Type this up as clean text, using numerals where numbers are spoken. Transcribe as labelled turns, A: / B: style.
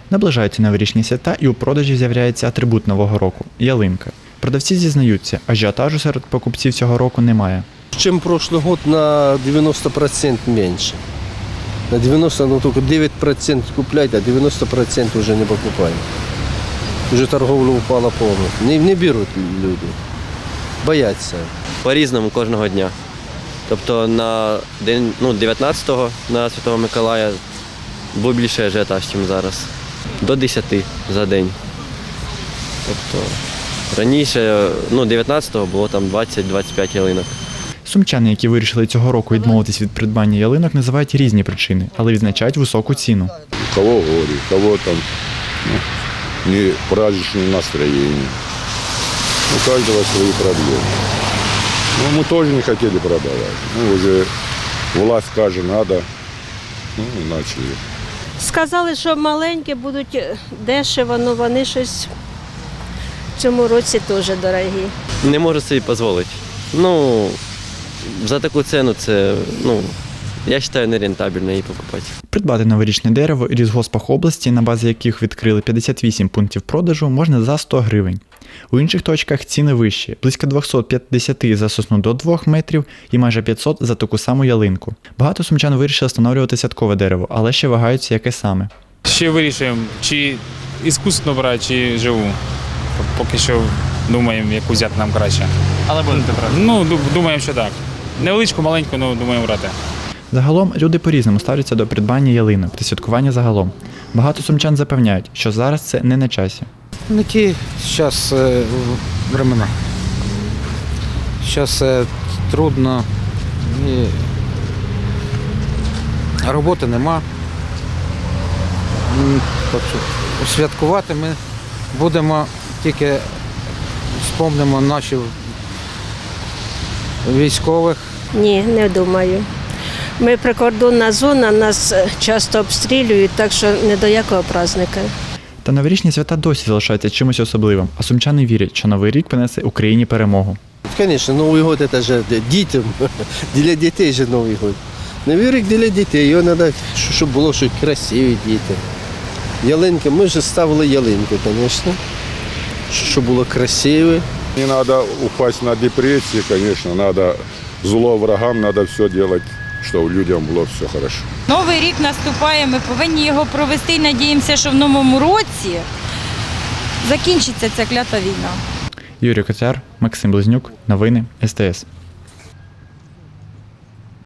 A: Наближаються новорічні свята і у продажі з'являється атрибут Нового року – ялинка. Продавці зізнаються, ажіотажу серед покупців цього року немає.
B: Чем прошлый год на 90% меньше. На 90, ну только 9% купляют, а 90% уже не покупают. Уже торговля упала полностью. Не берут люди. Боятся.
C: По-різному кожного дня. Тобто на день 19-го на Святого Миколая був більше ажіотаж, ніж зараз. До 10 за день. Тобто раніше, 19-го було там 20-25 ялинок.
A: Сумчани, які вирішили цього року відмовитись від придбання ялинок, називають різні причини, але відзначають високу ціну.
D: У кого горе, у кого там не праздничное настроение. У каждого свои проблемы. Мы тоже не хотели продавать. Уже власть скажет, надо, и начали.
E: Сказали, що маленькі будуть дешево, але вони щось в цьому році теж дорогі.
C: Не можу собі дозволити. За таку ціну це, я вважаю, нерентабельно її покупати.
A: Придбати новорічне дерево у лісгоспах області, на базі яких відкрили 58 пунктів продажу, можна за 100 гривень. У інших точках ціни вищі – близько 250 за сосну до 2 метрів і майже 500 за таку саму ялинку. Багато сумчан вирішили встановлювати святкове дерево, але ще вагаються, яке саме.
F: Ще вирішуємо, чи іскусственно брати, чи живу. Поки що думаємо, яку взяти нам краще.
G: Але будете брати?
F: Думаємо, що так. Невеличку, маленьку, думаємо брати.
A: Загалом люди по-різному ставляться до придбання ялинок та святкування загалом. Багато сумчан запевняють, що зараз це не на часі.
H: Не ті зараз времена. Зараз трудно, і роботи нема. Святкувати ми будемо, тільки вспомнимо наших військових.
E: Ні, не думаю. Ми прикордонна зона, нас часто обстрілюють, так що не до якого праздника.
A: Та новорічні свята досі залишаються чимось особливим, а сумчани вірять, що Новий рік принесе Україні перемогу.
B: Конечно, Новый год это же детям, для детей же Новый год. Новий рік для дітей, його треба, щоб було щось красиві діти. Ялинки, ми вже ставили ялинку, звісно, щоб було красиве.
D: Не надо упасть на депрессии, конечно, надо зло врагам, надо все делать, чтобы людям было все хорошо.
I: Новий рік наступає, ми повинні його провести і надіємося, що в новому році закінчиться ця клята війна.
A: Юрій Котяр, Максим Близнюк, новини СТС.